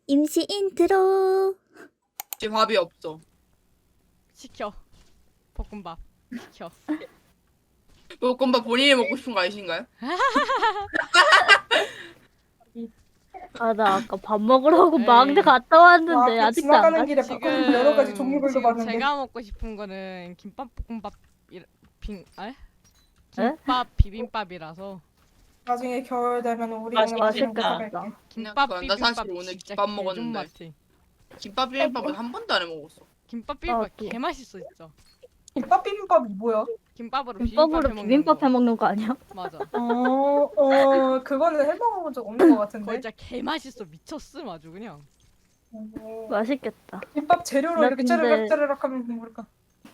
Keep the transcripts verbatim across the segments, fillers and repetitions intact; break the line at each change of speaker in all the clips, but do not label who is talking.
임시 인트로.
지금 밥이 없어.
시켜. 볶음밥 시켜.
볶음밥 본인이 먹고 싶은 거 아니신가요?
아, 나 아까 밥 먹으려고
에이.
망대 갔다 왔는데
와,
아직도 안
지나가는
갔어.
길에 바꿔서 여러 가지 종류별로
지금
봤는데.
제가 먹고 싶은 거는 김밥 볶음밥 빙 에? 김밥 비빔밥이라서
나중에 겨울 되면 우리
맛있-
동네 맛있는 거
맛있겠다.
사갈게.
김밥
그냥 나
비빔밥
사실 오늘
진짜
김밥
개존
먹었는데.
맛이.
김밥 비빔밥은 한 번도 안 해 먹었어.
김밥 비빔밥
나도.
개 맛있어 진짜.
김밥 비빔밥이 뭐야?
김밥으로
김밥으로
비빔밥 해먹는
비빔밥
거.
해먹는 거 아니야?
맞아.
어, 어, 그거는 해먹어본 적 없는 것
그거
같은데.
진짜 개 맛있어 미쳤음 아주 그냥.
어,
맛있겠다.
김밥 재료로
나
이렇게
근데-
짜르륵 짜르륵 하면 모를까.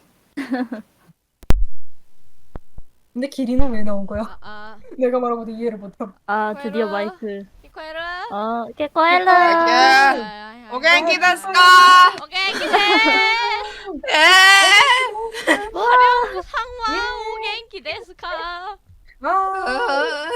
근데 기린은 왜 나온 거야?
아 아.
내가 말하고도 이해를 못함.
아, 드디어
코에라.
마이크.
이코에르.
어, 깨꼬엘라.
아, 오겐 기다스까.
오케이 기대.
에.
화려한 상황 오겐키 데스카.
아,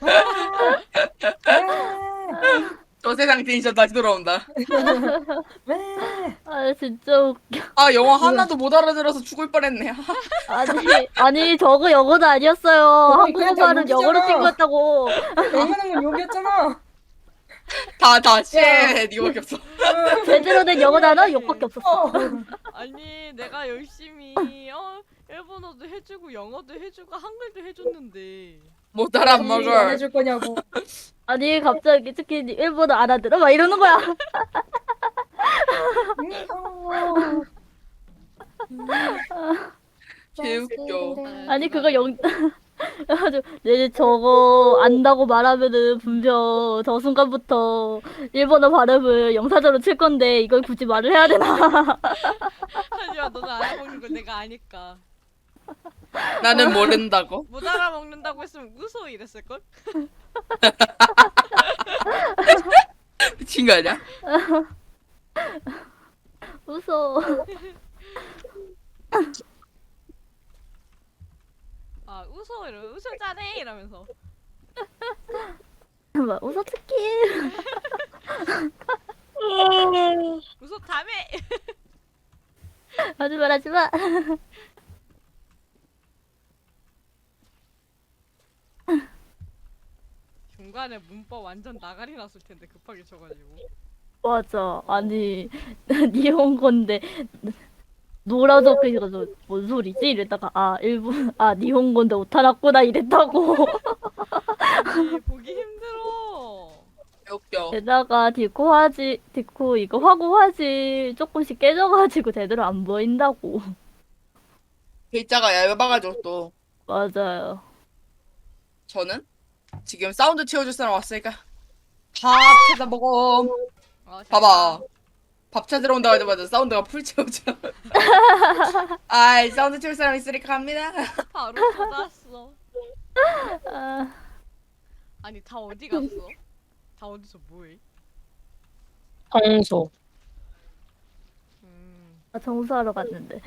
저 세상 텐션 다시 돌아온다.
왜?
아, 진짜 웃겨.
아 영어 하나도 못 알아들어서 죽을 뻔했네.
아니, 아니, 저거 영어도 아니었어요.
그냥 다
한국어는 영어로
욕이잖아.
찍은 거였다고.
영어는 건 욕이었잖아.
다다 쉣 이거밖에 없어.
제대로 된 영어 단어 욕밖에 없었어.
어.
아니 내가 열심히 어 일본어도 해주고 영어도 해주고 한글도 해줬는데
못 알아
안
먹어.
해줄 거냐고.
아니, 갑자기 특히 일본어 알아들어? 막 이러는 거야.
개웃겨.
아니, 그거 영, 아주, 내 저거 안다고 말하면은 분명 저 순간부터 일본어 발음을 영사적으로 칠 건데 이걸 굳이 말을 해야 되나?
하지만 너는 알아먹는 걸 내가 아니까
나는 모른다고.
못 알아먹는다고 했으면 웃어 이랬을걸?
미친 거 아니야?
웃어.
아 웃어 이러 웃어 잘해 이러면서
막 웃어 특히.
웃어 다음에
하지마, 하지마.
중간에 문법 완전 나가리 났을 텐데 급하게 쳐가지고
맞아. 아니, 니혼고인데 노라도 그래서 뭔 소리지? 이랬다가 아 일본 아 니혼고인데 오타났구나 이랬다고.
아니 보기 힘들어.
개웃겨.
게다가 디코 화지 디코 이거 화고 화지 조금씩 깨져가지고 제대로 안 보인다고.
글자가 얇아가지고 또
맞아요.
저는 지금 사운드 채워줄 사람 왔으니까 밥 찾아 먹어.
어,
봐봐. 밥 찾으러 온다고 하자마자 사운드가 풀 채우죠. 아이 사운드 채울 사람 있으니까 갑니다.
바로 쏟았어.
아,
아니 다 어디 갔어? 다 어디서 뭐해?
청소.
음
아, 청소하러 갔는데.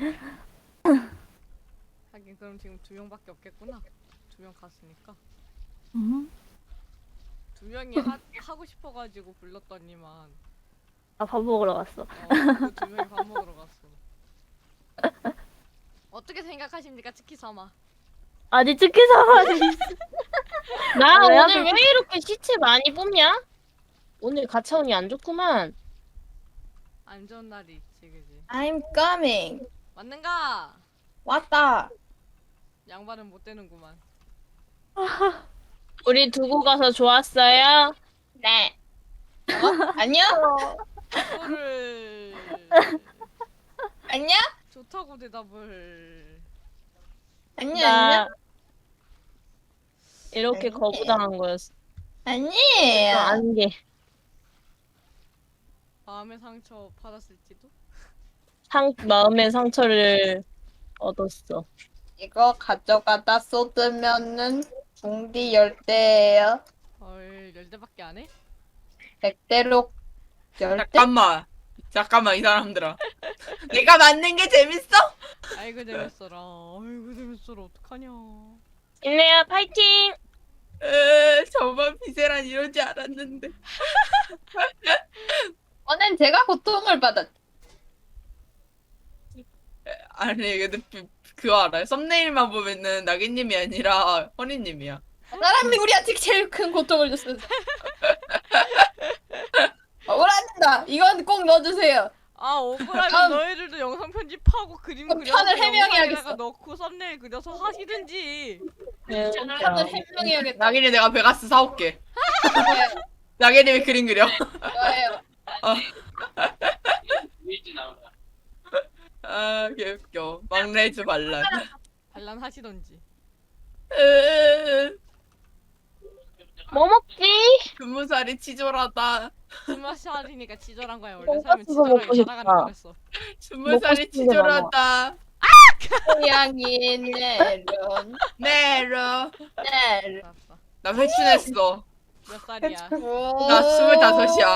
하긴 그럼 지금 두 명밖에 없겠구나. 두 명 갔으니까
음?
두 명이 하, 하고 싶어가지고 불렀더니만
아, 밥 먹으러 갔어.
어, 그두 명이 밥 먹으러 갔어. 어떻게 생각하십니까, 치키사마?
아니 치킨 사와지.
나
아, 왜
오늘
하필-
왜 이렇게 시체 많이 뽑냐? 오늘 가차운이 안 좋구만.
안 좋은 날이 있지, 그지?
I'm coming.
맞는가?
왔다.
양반은 못 되는구만.
우리 두고 가서 좋았어요?
네. 어? 안녕?
그거를
안녕?
좋다고 대답을.
안녕?
나
안녕?
이렇게
아니.
거부당한 거였어.
아니에요.
안 게.
마음의 상처 받았을지도?
상 마음의 상처를 얻었어.
이거 가져가다 쏟으면은 중디 열대예요.
헐, 열대밖에 안 해?
백대로 열대?
잠깐만. 잠깐만 이 사람들아. 내가 맞는 게 재밌어?
아이고 재밌어라. 아이고 재밌어라. 어떡하냐.
인내야 파이팅!
에, 저만 비세란 이러지 않았는데.
제가 고통을 받았.
아니 근데 그- 그거 알아요? 썸네일만 보면은 나기님이 아니라 허니님이야.
사람이 우리한테 제일 큰 고통을 줬어. 억울합니다. 이건 꼭 넣어주세요.
아 억울하면
다음.
너희들도 영상 편집하고 그림
그럼
그려서
편을 해명해야겠어.
영상에다가 넣고 썸네일 그려서 하시든지.
다들 해명해야겠다.
나기님 내가 베가스 사올게. 나기님이 그림 그려.
좋아요.
아 개웃겨. 막내즈 반란.
반란하시던지.
으으으.
뭐 먹지?
스무 살이 치졸하다.
스무 살이니까 치졸한 거야. 원래 살면 치졸하게
먹고 싶다.
살아가는 거랬어.
스무
먹고
살이
싶은 게 많아.
치졸하다.
고양이 내론
네로.
내론.
알았어.
나 회춘했어.
몇 살이야?
나 스물다섯이야.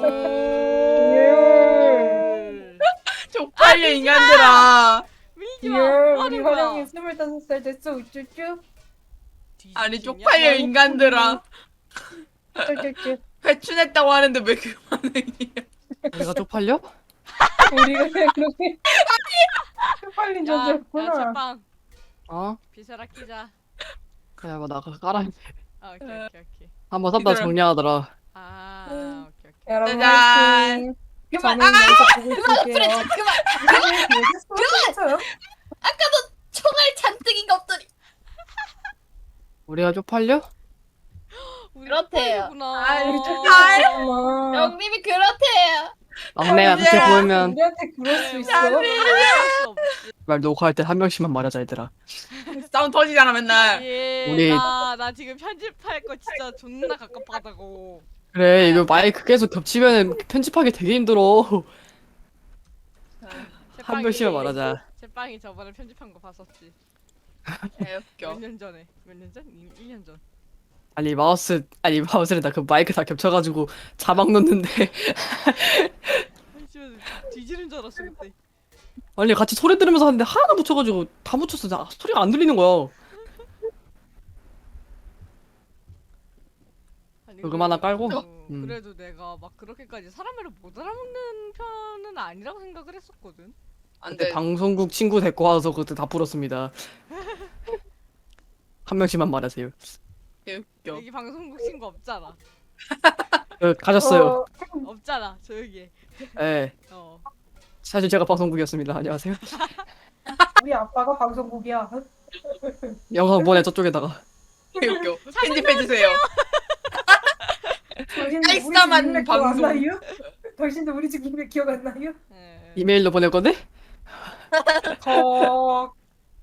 헐.
쪽팔려 인간들아.
밀지 마.
예,
뭐
우리
하는 거야?
화령이 스물다섯 살 됐어. 우쭈쭈.
아니
뒤지겠냐?
쪽팔려 인간들아.
쭈쭈쭈.
회춘했다고 하는데 왜 그 반응이야?
우리가 쪽팔려?
우리가 그렇게 쪽팔린
야, 야,
존재였구나.
제빵.
어?
비세라 끼자.
그래 뭐 나 그거 깔아
아, 오케이, 오케이, 오케이.
한번 샀다
얘들아.
정리하더라.
아, 오케이, 오케이.
여러분
짜잔.
화이팅.
그만.
저는 여기서 보고 있을게요.
그만.
그만.
총알 잔뜩이가 없더니.
우리가 쪽팔려?
우리
그렇대요.
쪽팔리구나.
아이,
아,
영님이 그렇대요.
막내가 그렇게
언제야?
보이면
우리한테 그럴 수 있어?
어쩔 수 없지.
말 녹화할 때 한 명씩만 말하자 얘들아.
싸움 터지잖아 맨날.
예,
우리-
나, 나 지금 편집할 거 진짜 존나 갑갑하다고.
그래 이거 마이크 계속 겹치면 편집하기 되게 힘들어. 한 명씩만 말하자.
제빵이 저번에 편집한 거 봤었지.
개웃겨.
몇 년 전에. 몇 년 전? 일 년 전.
아니 마우스 아니 마우스를 나 그 마이크 다 겹쳐가지고 자막 넣는데
아이, 진짜 뒤지는 줄 알았어 그때.
아니 같이 소리 들으면서 하는데 하나 묻혀가지고 다 묻혔어. 나 소리가 안 들리는 거야.
아니,
녹음 하나 깔고?
그래도-
음.
그래도 내가 막 그렇게까지 사람을 못 알아먹는 편은 아니라고 생각을 했었거든.
그때
안돼.
방송국 친구 데리고 와서 그때 다 풀었습니다. 한 명씩만 말하세요.
개웃겨.
여기 방송국 친구 없잖아.
어, 가졌어요.
어,
없잖아 조용히 해.
예.
어.
사실 제가 방송국이었습니다. 안녕하세요.
우리 아빠가 방송국이야.
영상 보내 저쪽에다가.
개웃겨. 편집해주세요.
당신도 우리 집
깔쌈한
이메일 기억 안
방송.
나요? 당신도 우리 집 이메일 기억 안 나요?
예.
이메일로 보낼 건데?
거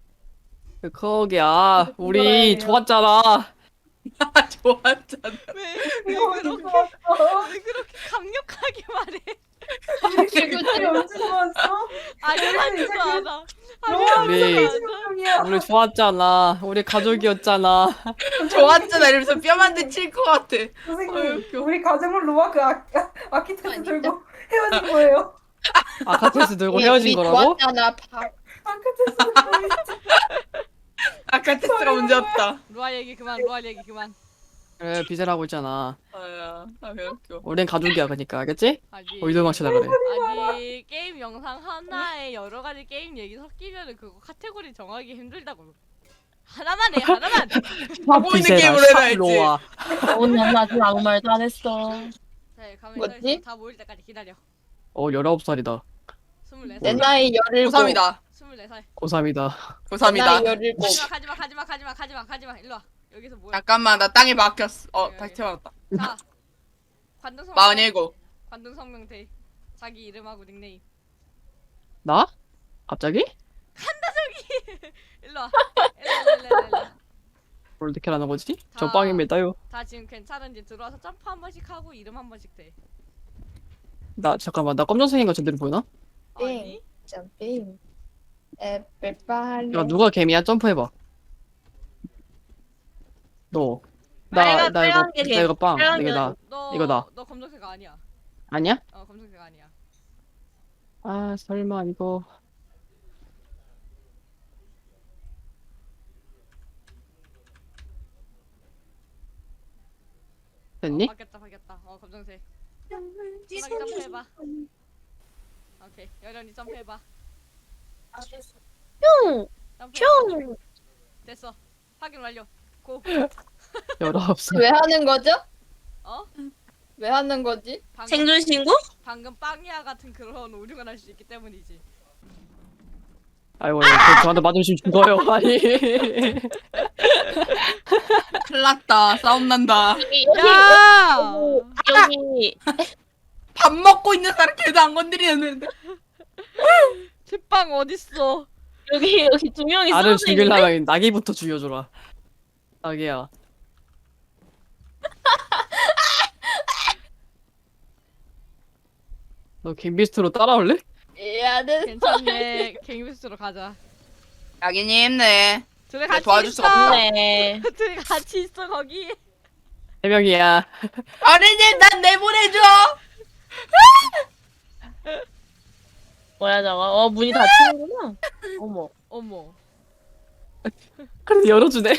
거기야. 우리
이거라니요.
좋았잖아.
아 좋았잖아.
왜, 왜
이거
그렇게
좋았어.
왜 그렇게 강력하게 말해?
우리 언제 좋았어?
아니라지도
이제 그-
않아.
우리-
아니라지도 않아.
중이야.
우리 좋았잖아. 우리 가족이었잖아.
좋았잖아 이러면서 뼈만데 칠 것 같아.
선생님,
어이구.
우리 가정을 놓아 그 아, 아키테스
아니다.
들고 헤어진 거예요.
아카테스 들고
우리-
헤어진
우리
거라고?
좋았잖아. 밥.
아키테스 들고
아까 테스트가 문제였다.
루아 얘기 그만. 루아 얘기 그만.
그래 비세라고 있잖아.
아야, 아 개웃겨.
우린 가족이야 그니까 알겠지?
아니.
어디도 망치려 그래.
아니 게임 영상 하나에 여러 가지 게임 얘기 섞이면은 그거 카테고리 정하기 힘들다고. 하나만 해 하나만.
바보 있는 게임으로 해라 했지.
샤로아.
오늘 아직 아무 말도 안 했어.
자 가만히
뭐지?
서 있어. 다 모일 때까지 기다려.
어 열아홉 살이다.
스물네
내
살.
나이 열일곱.
고삼이다.
스물네 살.
고삼이다.
내
고삼이다.
나이 열일곱.
가지마 가지마 가지마 가지마 가지마 일로 와. 여기서 뭐야?
잠깐만 나 땅에 박혔어. 어
여기,
다시
여기.
태어났다.
자. 관등성.
마흔일곱.
관등성명대. 자기 이름하고 닉네임.
나? 갑자기?
일로 와. 일로 일로 일로 일로.
뭘 어떻게 하는 거지? 저
다-
빵입니다요.
다 지금 괜찮은지 들어와서 점프 한 번씩 하고 이름 한 번씩 돼.
나 잠깐만 나 검정색인 거 제대로 보이나?
아니?
점핑. 에펠파레.
야 누가 개미야? 점프해봐. 너. 나,
빨간-
나 이거
빨간 게
나 이거 빵.
빨간
이게
게
나.
너
이거 나.
너 검정색 아니야.
아니야?
어 검정색 아니야.
아 설마 이거. 됐니?
어, 바뀌었다 바뀌었다. 어 검정색. 소나기 점프해봐. 오케이, 여련이 점프해봐.
뿅!
점프해봐.
뿅!
됐어. 확인 완료. 고.
열아홉 살.
왜 하는 거죠?
어?
왜 하는 거지?
방금,
생존 신고?
방금 빵이야 같은 그런 오류가 날 수 있기 때문이지.
아이고, 저, 저한테 맞으시면 죽어요. 아니.
큰일 났다. 싸움 난다.
여기, 여기,
야!
여기.
밥 먹고 있는 사람 걔도 안 건드리는데.
제빵 어딨어?
여기, 여기 두 명이
나를
쓰러져 있는데?
죽이려면 나기부터 죽여줘라. 나기야. 너 갱비스트로 따라올래?
야는
괜찮네. 갱비스로 가자.
야기님 힘내.
둘이
네,
같이
도와줄
있어.
수가
네.
둘이 같이 있어 거기.
세 명이야.
어린이 난 내보내줘.
뭐야, 저거? 어, 문이 닫히는구나. 어머.
어머.
그래도 열어주네.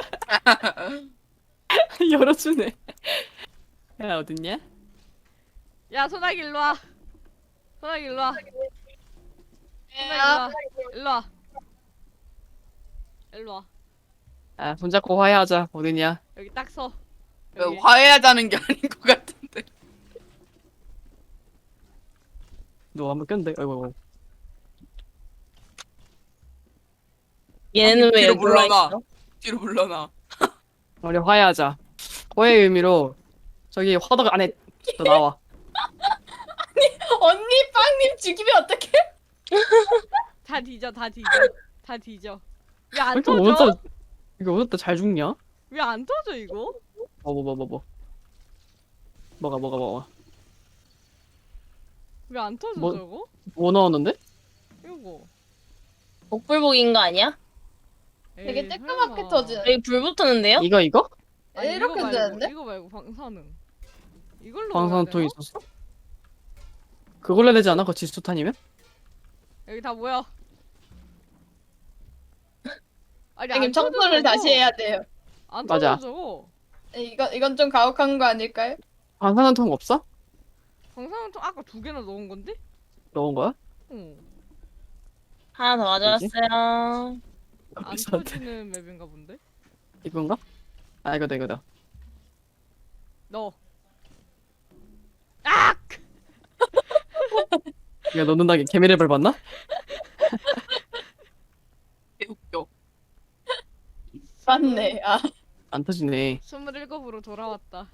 열어주네. 야, 어딨냐?
야 소나기 일로 와. 소나기 일로 와. 소나기 일로 와. 일로 와. 일로 와.
아, 손잡고 화해하자. 어딨냐?
여기 딱 서.
왜
여기.
화해하자는 게 아닌 것 같은데.
너 한번 꼈는데? 아이고, 아이고.
얘는 왜
뒤로
여기 와
물러나.
있어?
뒤로 물러나.
우리 화해하자. 화해의 의미로 저기 화덕 안에 너 나와.
언니 빵님 죽이면 어떡해?
다 뒤져 다 뒤져. 다 뒤져. 왜 안
이렇게
터져?
오늘따라 이거 오늘따라 잘 죽냐?
왜 안 터져 이거?
뭐 뭐 뭐 뭐 뭐. 뭐가 뭐가 뭐가.
왜 안 터져
뭐-
저거?
뭐 나왔는데?
이거.
복불복인 거 아니야?
되게
에이,
쬐끄맣게
설마.
터지네.
여기 불 붙었는데요?
이거 이거?
아니,
이렇게
이거 말고,
되는데?
이거 말고 방사능. 이걸로
방사능통이
넣어야 되나?
있었어? 그걸로 해야 되지 않아? 그 지수탄이면?
여기 다 모여. 아니
형님
안 터져,
청소를
저거.
다시 해야 돼요.
안
맞아.
터져 저거.
이건 이건 좀 가혹한 거 아닐까요?
방사능통 없어?
방사능통 아까 두 개나 넣은 건데?
넣은 거야?
응.
하나 더 가져왔어요.
안
그래서
터지는 맵인가 본데?
이건가? 아 이거다 이거다.
넣어. 아!
야 넣는다게 개미를 밟았나?
웃겨.
맞네. 아
안 터지네.
스물일곱으로 돌아왔다.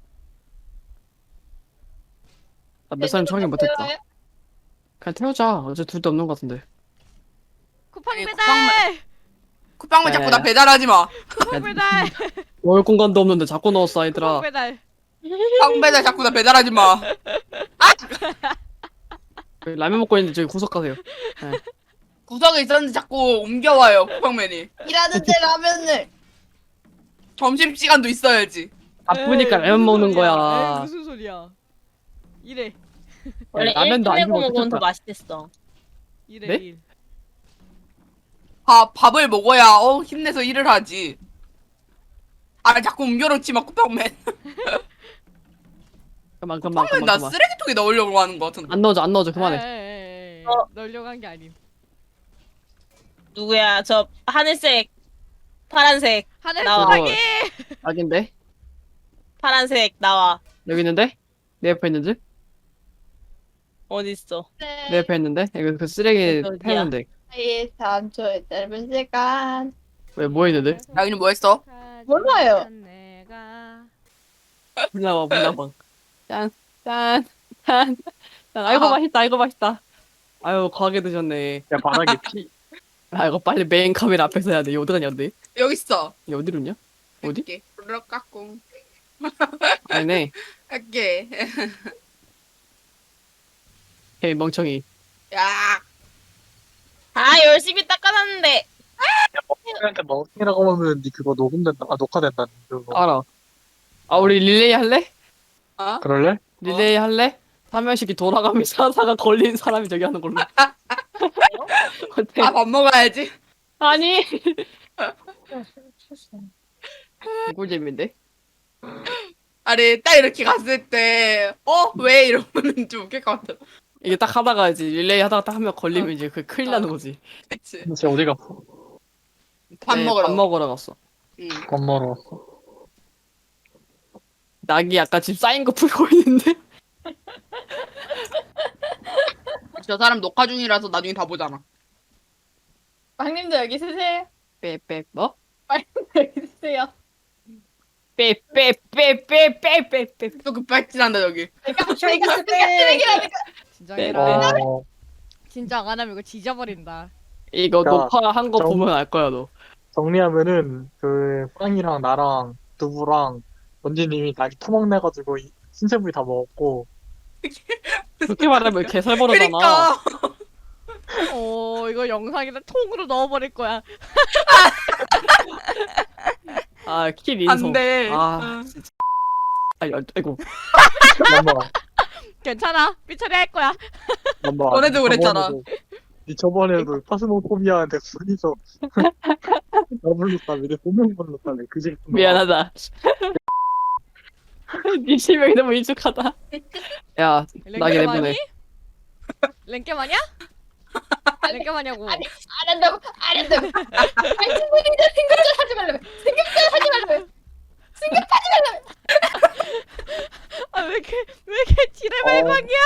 나 몇 살은 정확히 못했다. 그냥 태우자. 어제 둘도 없는 것 같은데.
쿠팡
아니,
배달!
쿠팡만 자꾸 나
야, 야.
배달하지 마.
쿠팡 배달!
넣을 공간도 없는데 자꾸 넣었어
쿠팡
아이들아.
배달!
쿠팡 배달 자꾸 나 배달하지 마.
여기 라면 먹고 있는데 저기 구석 가세요.
구석에 있었는데 자꾸 옮겨와요 쿠팡맨이.
일하는데 라면을.
점심 시간도 있어야지.
바쁘니까
에이,
라면
무슨
먹는
소리야.
거야.
에이, 무슨 소리야. 이래.
원래
라면도
일
아니고
내고 먹으면 더
어떡할 거야.
맛있댔어.
이래
네?
일.
밥 밥을 먹어야 어 힘내서 일을 하지. 아 자꾸 옮겨놓지 마 쿠팡맨.
그만 그만
쿠팡맨
그만
나
그만.
쓰레기통에 넣으려고 하는 거 같은데.
안 넣어줘 안 넣어줘 그만해.
에이, 에이, 에이.
어.
넣으려고 한 게 아님.
누구야? 저 하늘색, 파란색,
하늘
나와.
소나기!
악인데?
파란색 나와.
여기 있는데? 내 옆에 있는지?
어딨어?
내 옆에 있는데? 이거 그 쓰레기
어디야?
태우는데.
이 삼 초의 짧은 시간.
왜 뭐 있는데?
야기는 뭐 했어?
몰라요.
내가
불나와 불나방. 짠 짠 짠. 짠. 아이고
아하.
맛있다 아이고 맛있다. 아유 과하게 드셨네.
야 바닥에 피
아 이거 빨리 메인 카메라 앞에서 해야 돼. 이거 어디 가냐 근데?
여기 있어.
이 어디로 있냐? 어디?
할게. 르르 까꿍.
아니네.
할게.
헤이 멍청이.
야.
아 열심히 닦아놨는데.
멍청이한테 멍청이라고 하면 니 그거 녹음된다 아 녹화된다 그거
알아. 아 우리 릴레이 할래?
어?
그럴래?
릴레이 할래? 삼명씩이 돌아가면서 하다가 걸린 사람이 저기 하는 걸로. 어때?
아 밥 먹어야지.
아니. 꿀잼인데?
아니 딱 이렇게 갔을 때 어? 왜? 이러면 좀 웃길 것 같아.
이게 딱 하다가 이제 릴레이 하다가 딱 한 명 걸리면 이제 그 큰일 나는 거지.
그치?
근데 쟤 어디 갔어?
밥
네,
먹으러.
밥 먹으러 갔어.
응.
밥 먹으러 갔어.
낙이 아까 집 쌓인 거 풀고 있는데.
저 사람 녹화 중이라서 나중에 다 보잖아.
빵님도 여기 쓰세요.
빼빼 뭐?
여기 쓰세요.
빼빼빼빼빼빼빼.
또 급발진한다 여기.
내가
쓰레기 쓰레기라니까.
진정해라.
어,
진정 안 하면 이거 지져버린다.
이거
야,
녹화한 거
정-
보면 알 거야 너.
정리하면은 그 빵이랑 나랑 두부랑 원진님이 나 토막 내가지고 이- 신체부위 다 먹었고
그렇게 말하면 개살벌하잖아.
그러니까
어 이거 영상에다 통으로 넣어버릴 거야.
아, 킬 인성.
안돼.
아, 진짜. 아이, 아이고.
엄마
괜찮아. 삐처리 할 거야.
엄마
너네도 그랬잖아.
니 저번에도 파스모포비아한테 둘이서 나 불렀다며 내 본명 불렀다며 그지
미안하다. 네 실명이 너무 익숙하다. 야, 나게 내보내.
랭겜 아니야? 랭겜 아냐고.
아니, 안 한다고 안 한다고. 당신분이 내 생각전 하지 말라며. 생각전 하지 말라며.
아 왜 이렇게 왜 이렇게 지뢰발광이야?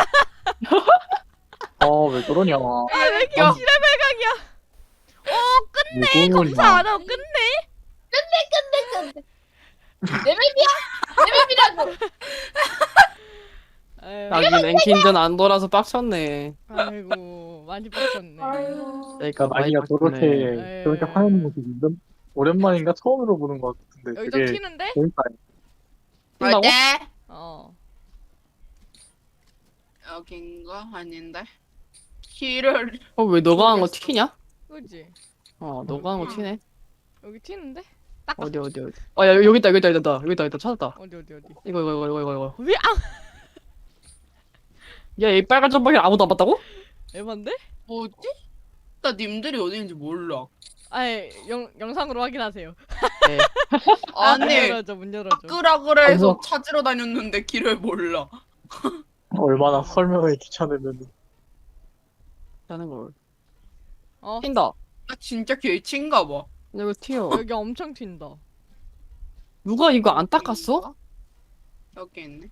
어왜 그러냐
아 왜 이렇게 지뢰발광이야? 어 끝내. 검사 안 하고 끝내.
내 맵이야. 내 맵이라고.
아유,
나긴 랭킹전 안 돌아서 빡쳤네.
아이고 많이 빡쳤네.
아유.
그러니까 많이
아니야
빡쳤네.
저렇게 저렇게 화내는 모습 이런 오랜만인가 처음으로 보는 것 같은데
여기 좀
되게
튀는데?
재밌다.
뛴다고?
어때?
어.
여긴가 아닌데. 키를
어, 왜 너가 한 거 튀냐?
그지?
어, 너가 한 거 튀네.
여기 튀는데? 딱
어디, 어디, 어디. 어, 야, 여기 있다, 여기 있다, 여기 있다. 여기 있다, 여기 있다. 찾았다.
어디 어디 어디?
이거, 이거, 이거, 이거, 이거.
왜 아?
야, 이 빨간 점박이 아무도 안 봤다고?
에반데?
뭐지? 나 님들이 어디 있는지 몰라.
아예 영 영상으로 확인하세요.
네.
아, 문
아니
열어줘 문 열어줘.
바꾸라 그래 해서
아이고.
찾으러 다녔는데 길을 몰라.
얼마나 설명을 귀찮으면
하는 걸.
어
튄다.
나 진짜 개친가 봐.
이거 튀어.
여기 엄청 튄다.
누가 이거 안 닦았어?
여기 있네.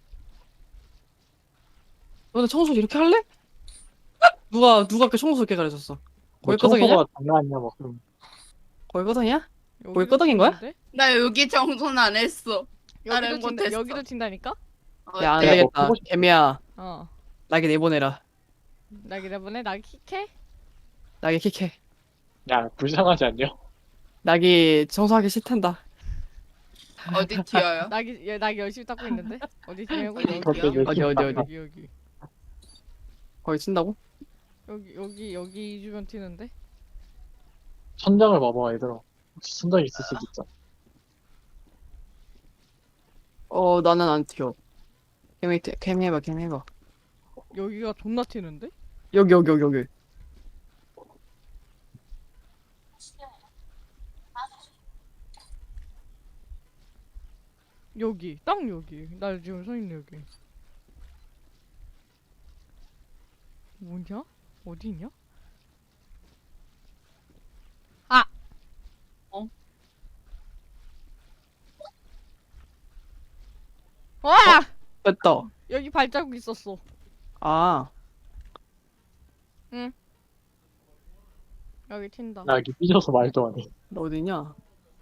너네 청소 이렇게 할래? 누가, 누가 그 청소 이렇게 가르쳤어?
뭐
거기 끄덕이냐?
청소가 장난 아니야 막 그럼
거기 끄덕이냐?
여기도
거기 끄덕인 거야?
튀는데?
나 여기 청소는 안 했어. 다른
여기도
곳
튄다.
했어.
여기도 튄다니까?
야, 안
어때?
야, 뭐
되겠다.
보고 싶-
개미야,
어.
나게 내보내라.
나 기다보네. 나 킥해.
나게 킥해.
야 불쌍하지 않냐?
나기 청소하기 싫단다.
어디 튀어요?
나기 얘 나기 열심히 닦고 있는데. 어디 튀냐고?
어디
여기
튀어?
여기
어디, 어디, 어디?
여기 여기
거기 쓴다고?
여기 여기 여기 이 주변 튀는데.
천장을 봐봐 얘들아 혹시 천장이 있을 수도 있잖아
어, 나는 안 튀어. 개미, 튀- 개미 해봐, 개미 해봐.
여기가 존나 튀는데?
여기, 여기, 여기, 여기.
여기 딱 여기. 나 지금 서 있는 여기. 뭐냐? 어디 있냐? 아.
어?
와!
됐다.
여기 발자국 있었어.
아,
여기 튄다.
나 여기 삐져서 말도 안해
너 어디냐?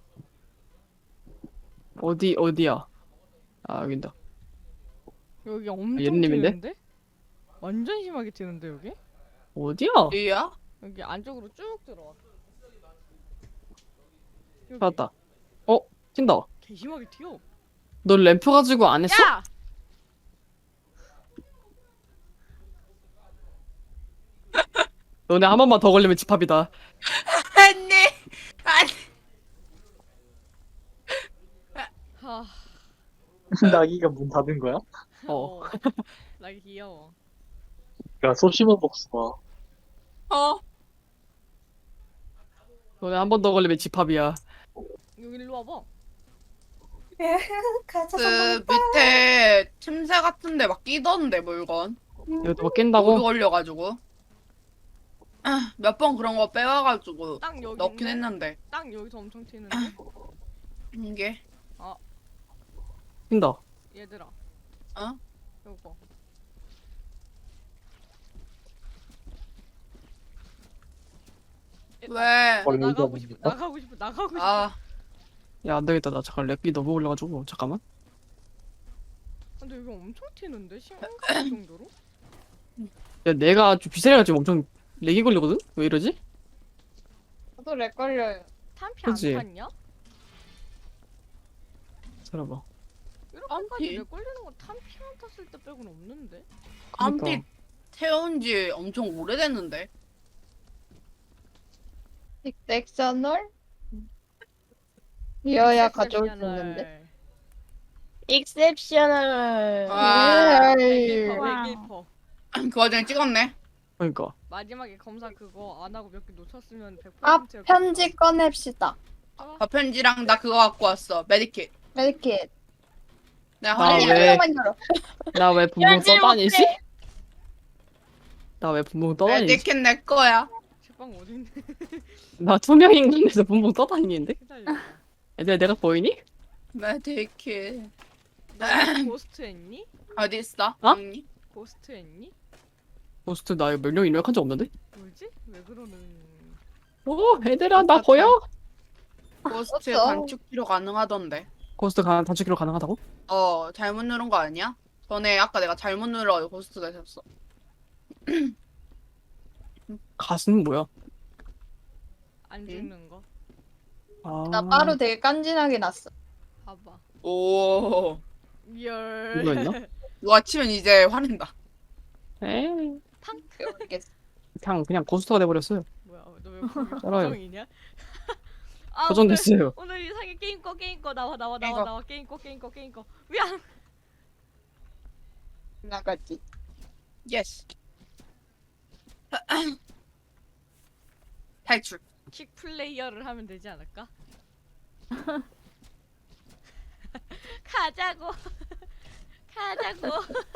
어디, 어디야? 아, 여긴다.
여기 엄청
옛님인데?
튀는데? 완전 심하게 튀는데 여기?
어디야?
어디야?
여기 안쪽으로 쭉 들어와. 여기
찾았다. 어, 튄다.
개 심하게 튀어.
너 램프 가지고 안 했어?
야!
너네 한 번만 더 걸리면 집합이다.
아니 아니.
하.
나기가 문 닫은 거야?
어.
나 귀여워.
야 소시모 복수가
어?
너네 한 번 더 걸리면 집합이야.
여기 일로 와봐.
가자.
그 밑에 틈새 같은데 막 끼던데 물건.
이것도 막
오류
낀다고?
걸려가지고. 몇 번 그런 거 빼와가지고
땅 여기
넣긴
있네?
했는데
땅 여기서 엄청 튀는데?
이게
낀다.
얘들아
어?
요거
왜?
어,
나 나가고
여기가
싶어
뭡니까?
나가고 싶어 나가고 싶어
아
야, 안 되겠다. 나 잠깐 렉이 너무 올려가지고. 잠깐만.
근데 여기 엄청 튀는데? 심각할 정도로?
야, 내가 좀 비세리가 지금 엄청 렉이 걸리거든? 왜 이러지?
저도 렉 걸려요.
탄피
그치?
안 탔냐?
살아봐.
이렇게까지
탄피?
렉 걸리는 거 탄피만 탔을 때 빼고는 없는데?
깜피
그러니까.
태운 지 엄청 오래됐는데.
딕섹셔널? 이어야 가져올 수 있는데.
익셉셔널.
와.
백일퍼
와우.
백일퍼
그 와중에 찍었네.
그러니까.
마지막에 검사 그거 안 하고 몇 개 놓쳤으면 백
아,
퍼센트
편지 꺼냅시다.
밥편지랑 나 그거 갖고 왔어. 메디킷.
메디킷.
내가
나
아니,
화내.
왜-
한 명만 열어.
나 왜 분봉
열지
떠다니지?
못해.
나 왜 분봉 떠다니지?
메디킷 내 거야.
책방 어딘데?
나 투명 인간에서 분봉 떠다니는데?
기다려
얘들아, 내가 보이니?
메디킷.
너 고스트 했니?
어디 있어?
어?
언니?
고스트 했니?
호스트 나 몇 명 입력한 적 없는데?
뭐지? 왜 그러는
오, 얘들아, 나 보여?
고스트
없어.
단축 필요 가능하던데.
고스트 가, 단축키로 가능하다고?
어 잘못 누른 거 아니야? 전에 아까 내가 잘못 눌러 고스트가 됐어.
가슴은 뭐야?
안 죽는 거?
아,
나 빠루 되게 깐진하게 났어.
봐봐
오
열
이거 있나?
누가 치면 이제 화낸다.
에이,
모르겠어.
그냥 그냥 고스트가 돼버렸어요.
뭐야 너왜 거기
알아요.
고정이냐? 아,
고정됐어요.
오늘, 오늘 이상해 게임 꺼 게임 꺼 나와 나와
게임
나와
꺼.
나와 게임 꺼 게임 꺼 게임 꺼 미안
나갔지.
예스. 탈출.
킥 플레이어를 하면 되지 않을까? 가자고 가자고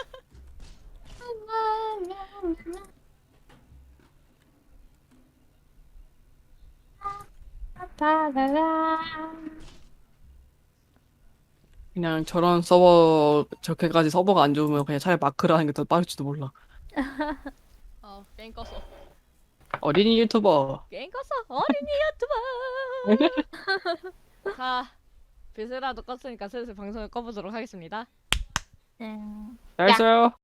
그냥 저런 서버 저렇게까지 서버가 안 좋으면 그냥 차라리 마크를 하는 게 더 빠를지도 몰라.
어 게임 껐어
어린이 유튜버.
게임 껐어 어린이 유튜버 자 비스라도 껐으니까 슬슬 방송을 꺼보도록 하겠습니다
네.
잘 써요.